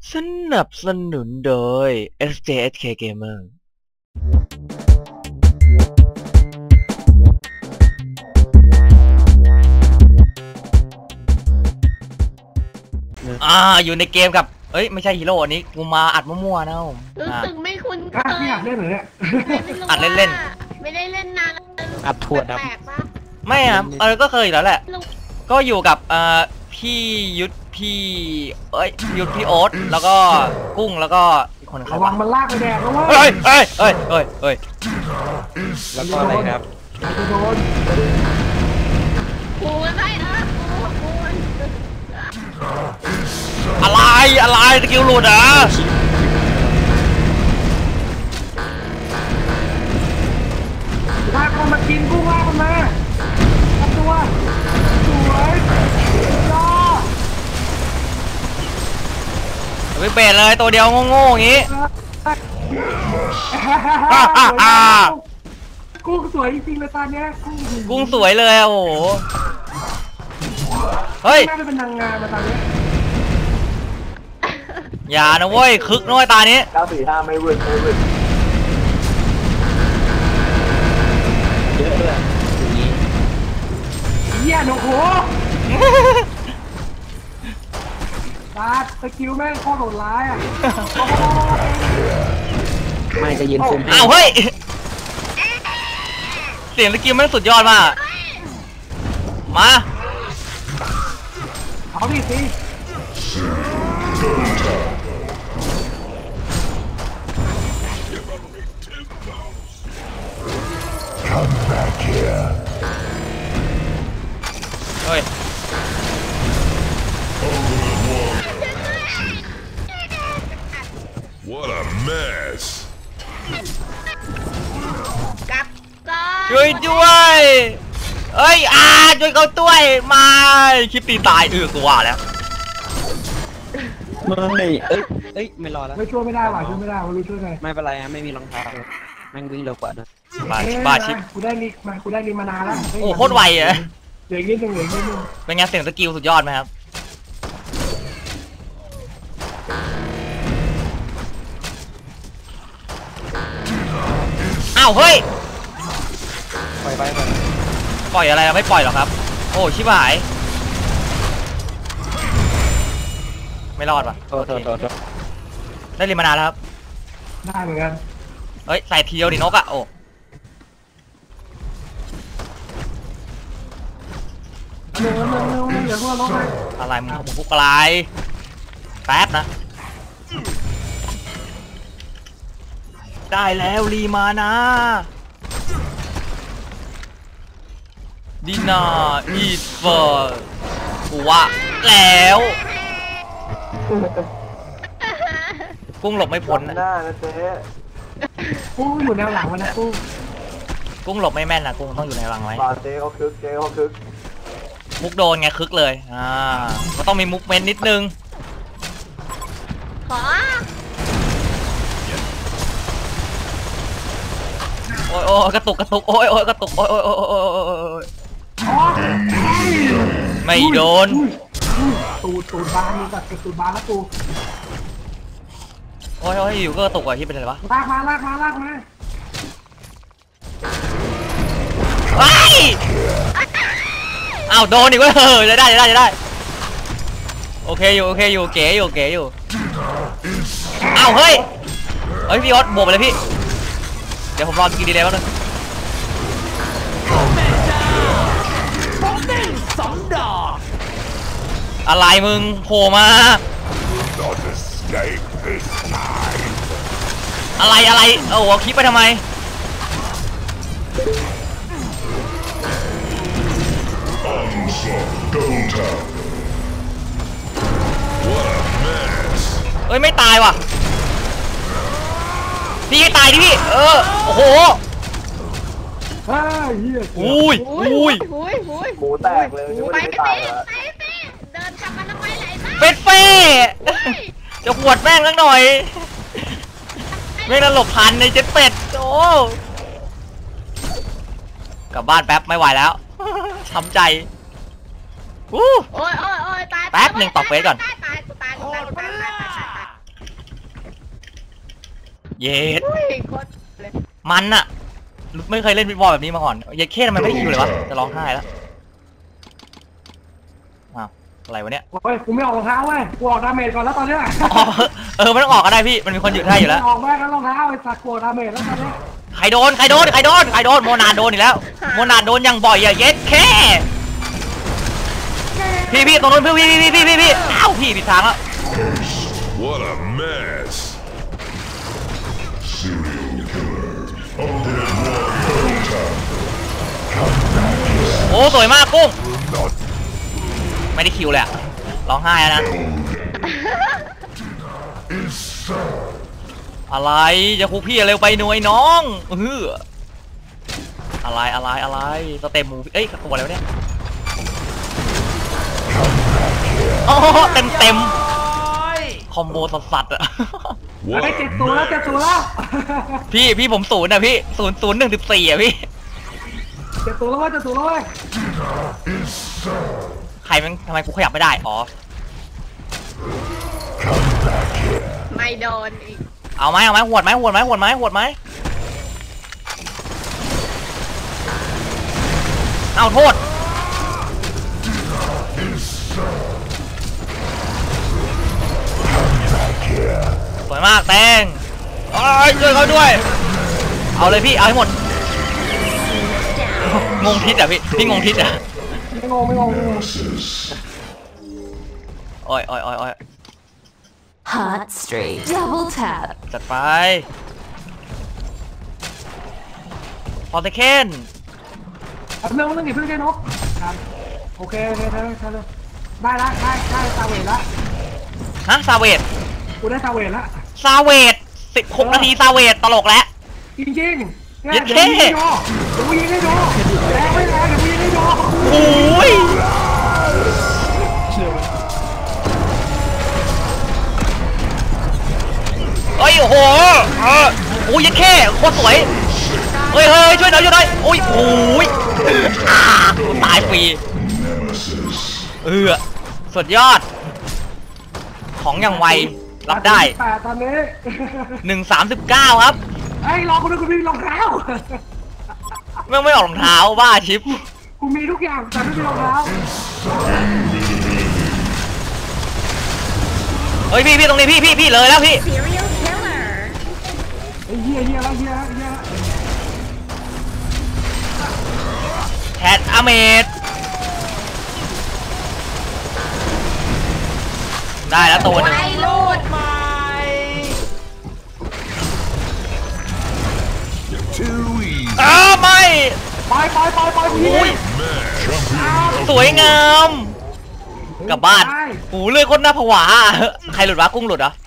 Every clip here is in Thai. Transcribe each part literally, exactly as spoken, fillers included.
สนับสนุนโดย เอส เจ เอส เค Gamer อ่าอยู่ในเกมกับเอ้ยไม่ใช่ฮีโร่อันนี้กูมาอัดมั่วๆนะผมรู้อ่าสึกไม่คุ้นเคอ่ะยไม่อยากเล่นเหรอเนี่ยอัดเล่นๆไม่ได้เล่นนานอัดถั่วดำแปลกๆปะไม่ครับเออก็เคยอยู่แล้วแหละลูกก็อยู่กับเอ่อพี่ยุทธพี่เอ้ยยุทธพี่โอ๊ตแล้วก็กุ้งแล้วก็อีกคนใครระวัวะงมันลากไปแดกนะเว้เฮ้ยยเฮ้ยเฮ้ยเฮ้ยเฮ้ยแล้วก็อะไรครับจะโดนกูมันได้นะกูกูมันอะไรอะไรสกิลหลุดอ่ะลากมันมากินกูลากมันมาทำตัวสวยย่อไปเบรเลยตัวเดียวโง่ๆอย่างงี้กุ้งสวยจริงๆเลยตอนเนี้ยกุ้งกุ้งสวยเลยอะโอ้โหเฮ้ยน่าจะเป็นนางงามมาตอนเนี้ยอย่านะเว้ยคึกน้อยตานี้เก้าสี่ห้าไม่วืดไม่วืดเยอะด้วยอย่างนี้เหี้ยโอ้โหตาสกิลแม่งโคตรโหดร้ายอ่ะไม่จะยืนคุมอ้าวเฮ้ยเสียงสกิลแม่งสุดยอดมากมาเอาดิสิเฮ้ย What a mess. กลับก่อนช่วยด้วยเอ้ยอาช่วยเขาด้วยมาคลิปตีตายเออกูว่าแล้วไม่เอ้ยเอ้ยไม่รอแล้วไม่ช่วยไม่ได้หรอช่วยไม่ได้ไม่รู้ช่วยไงไม่เป็นไรฮะไม่มีรองเท้าแม่งวิ่งเร็วกว่านะบาเอ้ยบาชิปกูได้ลิมากูได้ลิมานานแล้วโอ้โคตรไวอะเหลืออีกนิดนึงเหลืออีกนิดนึงเป็นไงเสียงสกิลสุดยอดไหมครับอ้าวเฮ้ยปล่อยไปไปปล่อยอะไรอะไม่ปล่อยหรอกครับโอ้ชิบหายไม่รอดว่ะโทษโทษโทษโทษได้ริมานานแล้วครับได้เหมือนกันเฮ้ยใส่ทีเดียวดินกอะโอ้เร็วเร็วเร็วเร็วเดี๋ยวพวกเราลงไปอะไรมึงมึงพุกอะไรแป๊บนะได้แล้วรีมานะดินาอีสเฟอร์กูว่าแล้วกุ้งหลบไม่พ้นหนะน้านะเจ๊กุ้งอยู่แนวหลังมันนะกุ้งกุ้งหลบไม่แม่นนะกุ้งต้องอยู่ในรังไว้บาเจ๊เขาคึกเจ๊เขาคึกมุกโดนไงคึกเลยอ่าก็ต้องมีมุกเมนนิดนึงขอโอ้ยโอ้ยกระตุกกระตุกโอ้ยโอ้ยกระตุกโอ้ยโอ้ยโอ้ยโอ้ยโอ้ยโอ้ยโอ้ยอ๋อไม่โดนตูดตูดบานนี่แบบตูดบานแล้วกูโอ้ยโอ้ยอยู่ก็กระตุกอ่ะที่เป็นอะไรวะลากมาลากมาลากมาไอ้ยอ้าวโดนอีกเว้ยเออจะได้จะได้จะได้โอเคอยู่โอเคอยู่เก๋อยู่เก๋อยู่อ้าวเฮ้ยเฮ้ยพี่ออสบวกไปเลยพี่เดี๋ยวผมรอกินดีเลยแป๊บนึงอะไรมึงโผล่มา Not escape this time. อะไรอะไรโอ้โหคลิปไปทำไม Onslaught, go town. What a mess. เอ้ยไม่ตายว่ะพี่ให้ตายดิพี่เออโอ้โหเฮ้ยเฮียอุ้ยอุ้ยอุ้ยอุ้ยอุ้ยหมูแตกเลยนึกว่าไปจะไม่สิตายแล้วไปสิเดินกลับมาทำไมไหลบ้าเฟสเฟ่จะขวดแม่งสักหน่อยไม่ระหลบทันในเจ็ดเป็ดโอ้กลับบ้านแป๊บไม่ไหวแล้วช้ำใจอู้โอ้ยโอ้ยโอ้ยตายแป๊บหนึ่งตอบเฟซก่อนตายตายกูตายกูตายกูตายตายตายตายเย็ดอุ้ยโคตรเลยมันอะไม่เคยเล่นฟิตบอลแบบนี้มาก่อนเย็ดเข้ทำไมไม่ได้คิวเลยวะจะร้องไห้แล้วอ้าวอะไรวะเนี่ยโอ้ยกูไม่ออกรองเท้าเว้ยกูออกดาเมจก่อนแล้วตอนเนี้ยอ๋อเออไม่ต้องออกก็ได้พี่มันมีคนหยุดให้อยู่แล้วออกแม่กันรองเท้าไอ้สัตว์กลัวดาเมจแล้วตอนเนี้ยใครโดนใครโดนใครโดนใครโดนโมนาโดนอีกแล้วโมนาโดนอย่างบ่อยอะเย็ดแค่พี่พี่ตรงนู้นพี่พี่พี่พี่พี่พี่อ้าวพี่ผิดทางแล้ว What a mess. Serial killer. Undead warrior. โอ้สวยมากกุ้งไม่ได้คิวเลยอะร้องไห้แล้วนะอะไรจะคุกพี่เร็วไปหน่วยน้องเอออะไรอะไรอะไรสเต็มมูเอ้ยตัวอะไรวะเนี่ยโอ้เต็มเต็มคอมโบสัสๆอะ What ไอ้เจ็ด a ตัวแล้วเจ็ดตัวแล้วพี่พี่ผมศูนย์อะพี่ศูนย์ศูนย์หนึ่งสิบสี่อะพี่เจ็ดตัวแล้วเว้ยเจ็ดตัวแล้วเว้ยใครมันทำไมกูขยับไม่ได้อ๋อไม่โดนอีกเอาไหมเอาไหมหวดไหมหวดไหมหวดไหมหวดไหมเอาโทษสวยมากแตงเอ้ยช่วยเขาด้วยเอาเลยพี่เอาให้หมดงงทิศอ่ะพี่พี่งงทิศอ่ะไม่งงไม่งงไม่งงโอ้ยโอ้ยโอ้ยโอ้ย Hot straight. Double tap. จัดไปพอเทเคนเอาเรื่องเรื่องนี้เพื่อนแค่นกครับโอเคโอเคได้ได้ได้ได้ละได้ได้ซาเวทละฮะซาเวตกูได้ซาเวทละซาเวตสิบหกนาทีซาเวตตลกแล้วจริงจริงๆเนี่ยเย็ดเดี๋ยวเข้กูยิงให้ดูเดี๋ยวกูยิงให้ดูแรงไม่แรงเดี๋ยวกูยิงให้ดูโอ้ยเฮ้ยโอ้โหเออโอ้ยยัดแค่โคตรสวยเฮ้ยเฮ้ยช่วยหน่อยช่วยหน่อยโอ้ยโอ้ยอ่าตายฟรีเออสุดยอดของอย่างไวรับได้แปดตอนนี้หนึ่งสามสิบเก้าครับไอ้ยรอคนนึงกูมีรองเท้าไม่ไม่ออกรองเท้าบ้าชิปกูมีทุกอย่างแต่ไม่มีรองเท้าเฮ้ยพี่พี่ตรงนี้พี่พี่พี่เลยแล้วพี่ serial killer ไอ้เหี้ยเหี้ยแล้วเหี้ยแล้วเหี้ยแล้วแคทอเมดได้แล้วตัวหนึงไอ้ลูด too easy. อ้าวไม่ไปไปไปไปกูยิงโอ้ย Champion สวยงามกลับบ้านโอ้เลือดคนหน้าผวาใครหลุดวะกุ้งหลุดเหรอ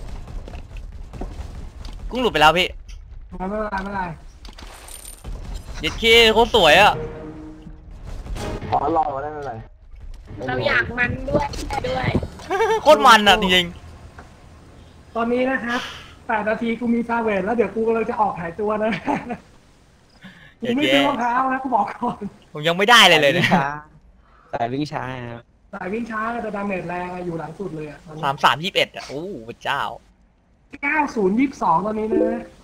กุ้งหลุดไปแล้วพี่ไม่เป็นไรไม่เป็นไรเย็ดขี้โคตรสวยอ่ะขอรอมาได้ไม่เป็นไรเราอยากมันด้วยด้วยโคตรมันอ่ะจริงตอนนี้นะครับแปดนาทีกูมีซาเวทแล้วเดี๋ยวกูกำลังจะออกหายตัวนะๆกูเย็ดไม่แย่ซื้อรองเท้านะกูบอกก่อนผมยังไม่ได้เลยเลยเนี่ยช้าสายวิ่งช้าครับสายวิ่งช้าแต่ดาเมจแรงอะอยู่หลังสุดเลยอะสามสามยี่สิบเอ็ดอ่ะโอ้พระเจ้าเก้าศูนย์ยี่สิบสองตอนนี้นะ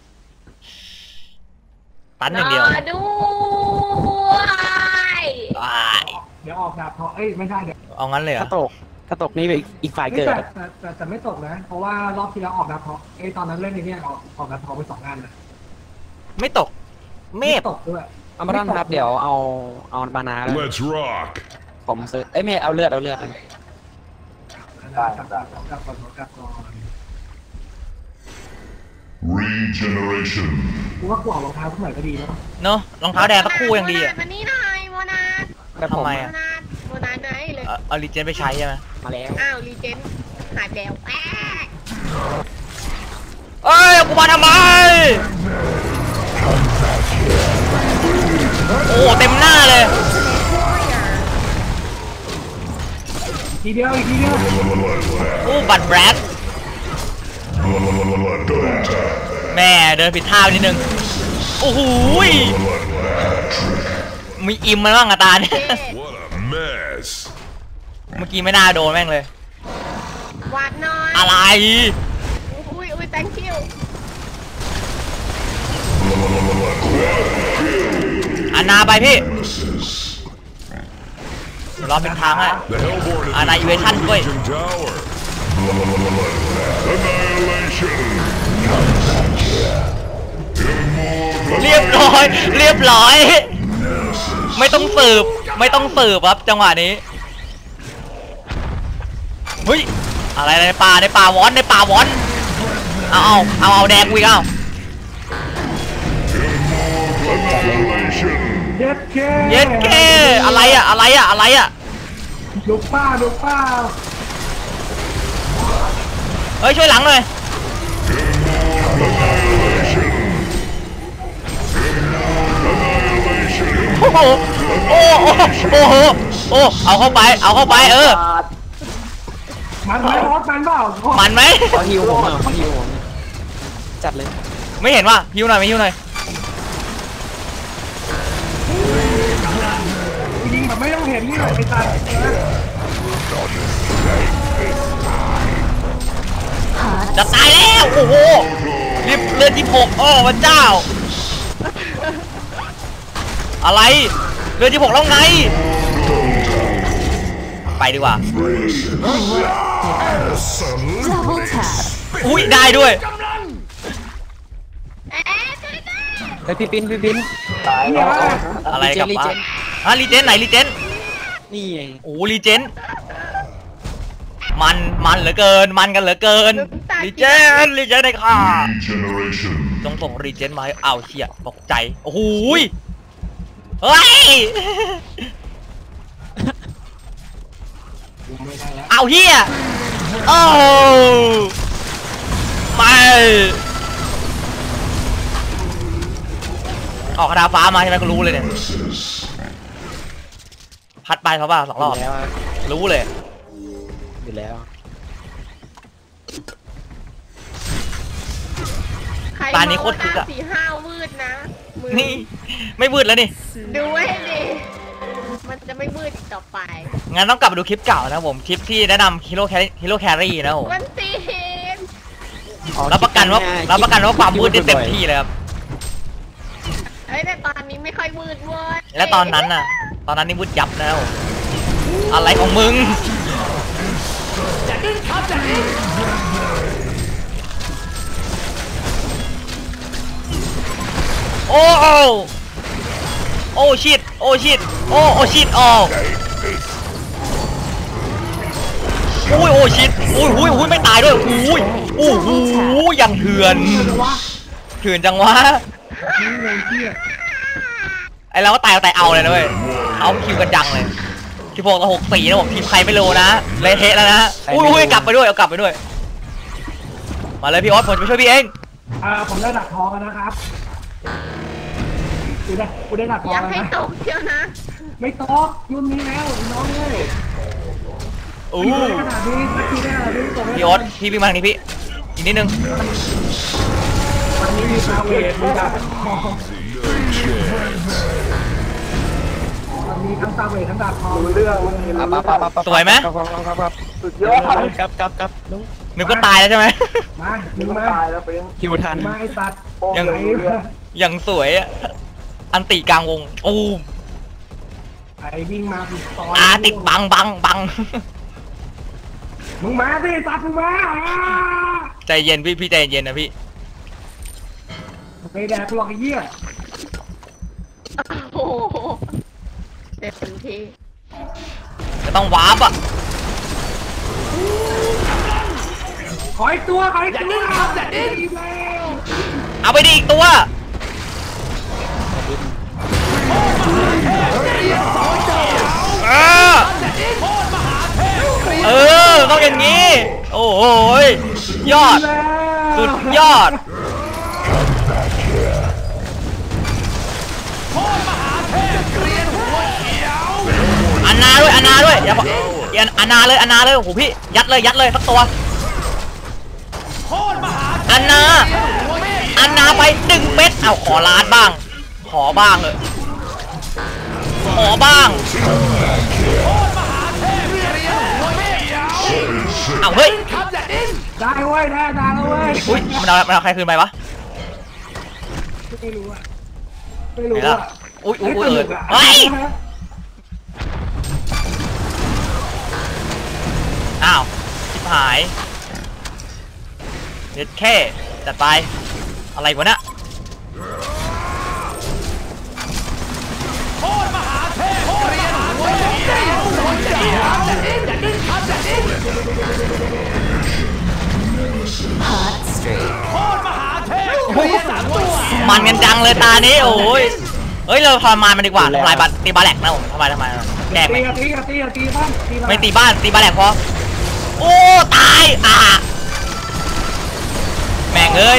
ตันอย่างเดียวรอด้วยอ้ายเดี๋ยวออกดาบทองเอ้ยไม่ใช่เดี๋ยวเอางั้นเลยเหรถ้าอตกถ้าตกนี่อีกอีกฝ่ายเอ้ยเกิดแต่แต่แต่แต่ไม่ตกนะ เพราะว่ารอบที่แล้วออกดาบทองเอ้ยตอนนั้นเล่นในเนี่ยออกออกดาบทองไปสองงานนะไม่ตกเมฟตกด้วยเอามาดันครับเดี๋ยวเอาเอาบานาแล้ว Let's rock. ผมซื้อเอ้ยไม่เอาเลือดเอาเลือดได้ครับได้ครับกลับก่อนกลับก่อน Regeneration. กูว่ากูออกรองเท้าขึ้นหน่อยก็ดีแล้วเนอะรองเท้าแดงสักคู่ยังดีอ่ะมานี่หน่อยโมนาดแต่ผมทำไมโมอะนาดโมนาดไหนเลยเอาเอาลีเจนไปใช้ใช่ไหมมาแล้วอ้าวรีเจนหายไปแล้วแป๊กเอ้ยกูมาทำไมโอ้เต็มหน้าเลยทีเดียวอีกทีเดียวโอ้บัตรแบรด Double tap. แม่เดินผิดท่าไปนิดนึงโอ้โหยมีอิมมันบ้างอะตาเนี่ย What a mess. เมื่อกี้ไม่น่าโดนแม่งเลยวาดหน่อยอะไรอุ้ยอุ้ย thank you อานาไปพี่รอเป็นทางให้ The Hellborn is Annihilation destroying ด้วย Legion Tower. Annihilation. เรียบร้อยเรียบร้อยไม่ต้องสืบไม่ต้องสืบครับจังหวะนี้เฮ้ยอะไรในป่าในป่าวอนในป่าวอนเอาเอาเอาเอาแดงกูอีกเอา Annihilation. เย็ดเคเย็ดเก้อะไรอะอะไรอะอะไรอะดูป้าดูป้าเฮ้ยช่วยหลังหน่อยโอ้โหโอ้โหโอ้โหโอ้เอาเข้าไปเอาเข้าไปเออมันไหมออสมันเปล่ามันไหมขอฮิวผมหน่อยขอฮิวผมจัดเลยไม่เห็นว่าฮิวหน่อยไม่ฮิวหน่อยยิงแบบไม่ต้องเห็นนี่หน่อยไอ้ตาจะตายแล้วโอ้โหรีบเลือดที่หกโอ้พระเจ้าอะไรเลือดที่หกแล้วไงไปดีกว่า Double tap. อุ้ยได้ด้วยเอ๊ะช่วยด้วยเฮ้ยพี่ปิ้นพี่ปิ้นตายแล้วอะไรกับรีวะเจนฮะรีเจนไหนรีเจนนี่ไงโอ้รีเจนมันมันเหลือเกินมันกันเหลือเกินรีเจนรีเจนในค่ะ Regeneration. จงส่งรีเจนมาให้อ้าวเชี่ยตกใจโอ้โหยเฮ้ยเอาเฮียโอ้ไม่ออกคาถาฟ้ามาใช่ไหมก็รู้เลยเนี่ยพัดไปเขาป่ะสองรอบอยู่แล้วอะรู้เลยอยู่แล้วใครตานี้โคตรคึกอะสีห้าวมืดนะมือนี่ไม่มืดแล้วนี่ดูไว้ดิมันจะไม่มืดอีกต่อไปงั้นต้องกลับไปดูคลิปเก่านะผมคลิปที่แนะนำฮีโร่แครี่ฮีโร่แครี่นะผมมันสีเห็นอ๋อรับประกันว่าคิดง่ยๆรับประกันว่าความมืดได้เต็มคิที่เลยครับเอ้ยแต่ตอนนี้ไม่ค่อยมืดเว้ยและตอนนั้นน่ะ ตอนนั้นนี่มืดยับนะผมอะไรของมึงโอ้โอ้โอ้ชิดโอ้ชิดโอ้โอ้ชิดโอ้โอ้ยโอ้ชิดโอ้ยโอ้ยโอ้ยไม่ตายด้วยโอ้ยโอ้โหอย่างเถื่อนเถื่อนจังวะไอเราก็ตายเอาแต่เอาเลยนะเว้ยเอาคิวกันจังเลยสิบหกต่อหกสี่นะผมทีมใครไม่รู้นะเละเทะแล้วนะอุ้ยอุ้ยกลับไปด้วยเอากลับไปด้วยมาเลยพี่ออสผมจะไปช่วยพี่เองอ่าผมได้ดักทองแล้วนะครับกูได้กูได้ดักทออง ยากแล้วให้นะตกเชียวนะไม่ตกรุ่นนี้แล้วน้องเลยอู้ได้ขนาดนี้สักทีได้ขนาดนี้ตกพี่ออสพี่วิ่งมาทางนี้พี่อีกนิดนึงวันนี้มีซาเวทมีดักทองมันมีทั้งซาเวททั้งดักทองรู้เรื่องมันเห็นปั๊บปั๊บปั๊บปั๊บสวยไหมครับครับครับครับสุดยอดครับครับครับลุงนึกก็ตายแล้วใช่ไหมมาหนึ่งมันมาตายแล้วเป็นฮิวทันมาไอ้สัตว์โป้งยังเลยรู้เรื่องอย่างสวยอะอันติกลางวงโอ้ไอ้วิ่งมาติดต่ออาติดบังบังบังมึงมาสิสัตว์มึงมาอ่าใจเย็นพี่พี่ใจเย็นนะพี่ไม่แดกหรอกไอ้เหี้ยโอ้โหเต็มที่จะต้องวาร์ปอ่ะขออีกตัวขออีกตัวอย่าดิ้นอีกแล้วเอาไปดิอีกตัวเออเออต้องอย่างนี้ โอ้โหยยอด สุดยอดอันนาด้วยอันนาด้วยอย่าอย่าอันนาเลยอันนาเลยโอ้โหพี่ยัดเลยยัดเลยสักตัวอันนาอันนาไปหนึ่งเม็ดเอาขอล้านบ้าง ขอบ้างเลยขอบ้างเอาเฮ้ยได้เว้ยได้ได้แล้วเว้ยอุ้ยมันเอามันเอาใครคืนไปวะไม่รู้อะไม่รู้ไหนล่ะอะอุ้ยอุ้ยอุ้ยสเอนุอกอะเฮ้ยอ้าวชิบหายเด็ดแค่จัดไปอะไรวะเนี่ยมันกันจังเลยตานี้โอ้ยเอ้ยเราทรมานมันดีกว่าทำลายบัตตีบาแหลกนะผมทำลายทำไมแกล้งไหมตีอะตีอะตีอะตีบ้านตีบ้านไม่ตีบ้านตีบาแหลกพอโอ้ตายอ่ะแม่งเอ้ย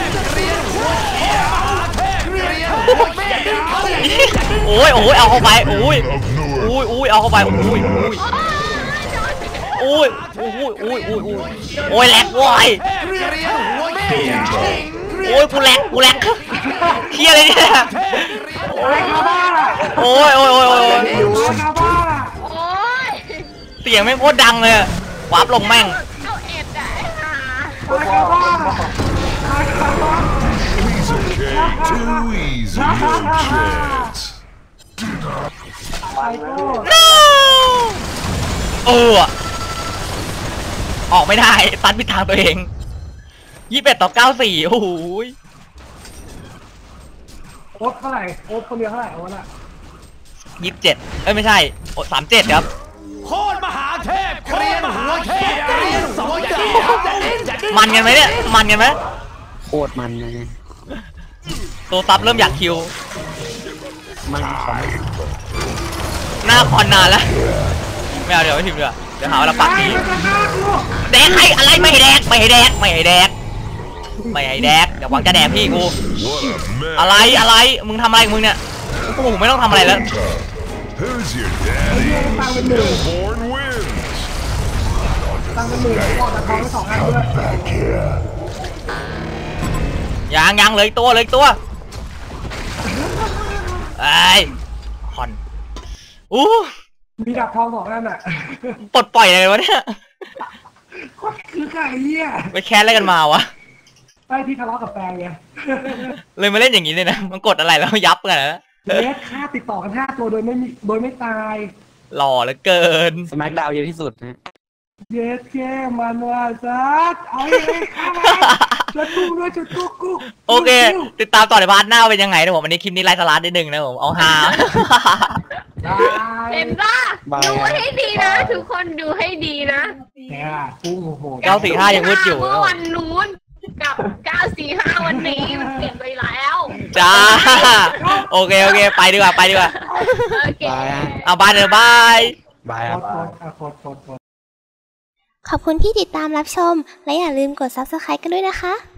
โอ้ยโอ้ยเอาเข้าไปโอ้ย of โอ้ Newark. ยโอ้ยเอาเข้าไปโอ้ยโอ้ยโอ้ยโอ้ยโอ้ยโอ้ยโอ้ยโอ้ยแหลกโว้ยโอ้ยกูแหลกกูแหลกเฮียอะไรเนี่ยอะไรคาบ้าล่ะโอ้ยโอ้ยโอ้ยโอ้ยอะไรคาบ้าล่ะโอ้ยเสียงแม่งโคตรดังเลยอะวาร์ปลงแม่งเอาเอ็ดอะไอ้ห่าอะไรคาบ้าล่ะอะไรคาบ้า Piece of cake. Too easy, no chance. ไปโก้เอออะออกไม่ได้ตัดผิดทางตัวเองยี่สิบเอ็ดต่อเก้าสี่โอ้โหโอ๊ตเท่าไหร่โอ๊ตคนเดียวเท่าไหร่โอ๊ตอะยี่สิบเจ็ดเอ้ยไม่ใช่สามเจ็ดครับโคตรมหาเทพโคตรมหาเทพเกรียนสองจ่ามันกันไหมเนี่ยมันกันไหมโคตรมันเลยตัวซับเริ่มอยากคิวมันของหน้าคอนนานแล้วไม่เอาเดี๋ยวไม่พิมพ์เดี๋ยวเดี๋ยวหาว่าเราปากไอ้นี้มันจะฆ่ากูแดกใครอะไรไม่ให้แดกไม่ให้แดกไม่ให้แดกไม่ให้แดกเดี๋ยวหวังจะแดกพี่กู What a mess. อะไรอะไรมึงทำอะไรของมึงเนี่ยกูผมไม่ต้องทำอะไรแล้ว Who's your ไอ้เหี้ย daddy? ตังค์เป็นหมื่น Born wins. ตังค์เป็นหมื่นออกจากท้องไปสองอันด้วยยังยังเหลยตัวเหลยตัวไอ้ยคอนอู้มีดับทองสองอันอ่ะปลดปล่อยอะไรวะเนี่ยโคตรคือไก่เหี้ยไปแค้นอะไรกันมาวะไอ้ที่ทะเลาะกับแฟนไงเลยมาเล่นอย่างนี้เลยนะมันกดอะไรแล้วยับกันนะเลสฆ่าติดต่อกันห้าตัวโดยไม่มีโดยไม่ตายหล่อเหลือเกินสแมกดาวเยอะที่สุดนะเย็ดแค่มันว่าซัดเอาไอ้ข้ามาแล้วกุ้งด้วยจุดกุ๊กกุ๊กโอเค ติดตามต่อในพาร์ทหน้าเป็นยังไงนะผมวันนี้คลิปนี้ไลฟ์สลัดนิดนึงนะผมเอาฮาเห็นป่ะดูให้ดีนะ ทุกคนดูให้ดีนะเนี่ยกุ้งโอ้โหเก้าสี่ห้ายังมืดอยู่เมื่อวันนู้นกับเก้าสี่ห้าวันนี้มันเปลี่ยนไปแล้วจ้าโอเคโอเคไปดีกว่าไปดีกว่าโอเคบายฮะเอาบายเดี๋ยวบายบายโคครับตรโคตรอ่ะโคตรโคตรโคตรขอบคุณที่ติดตามรับชม และอย่าลืมกด ซับสไครบ์ กันด้วยนะคะ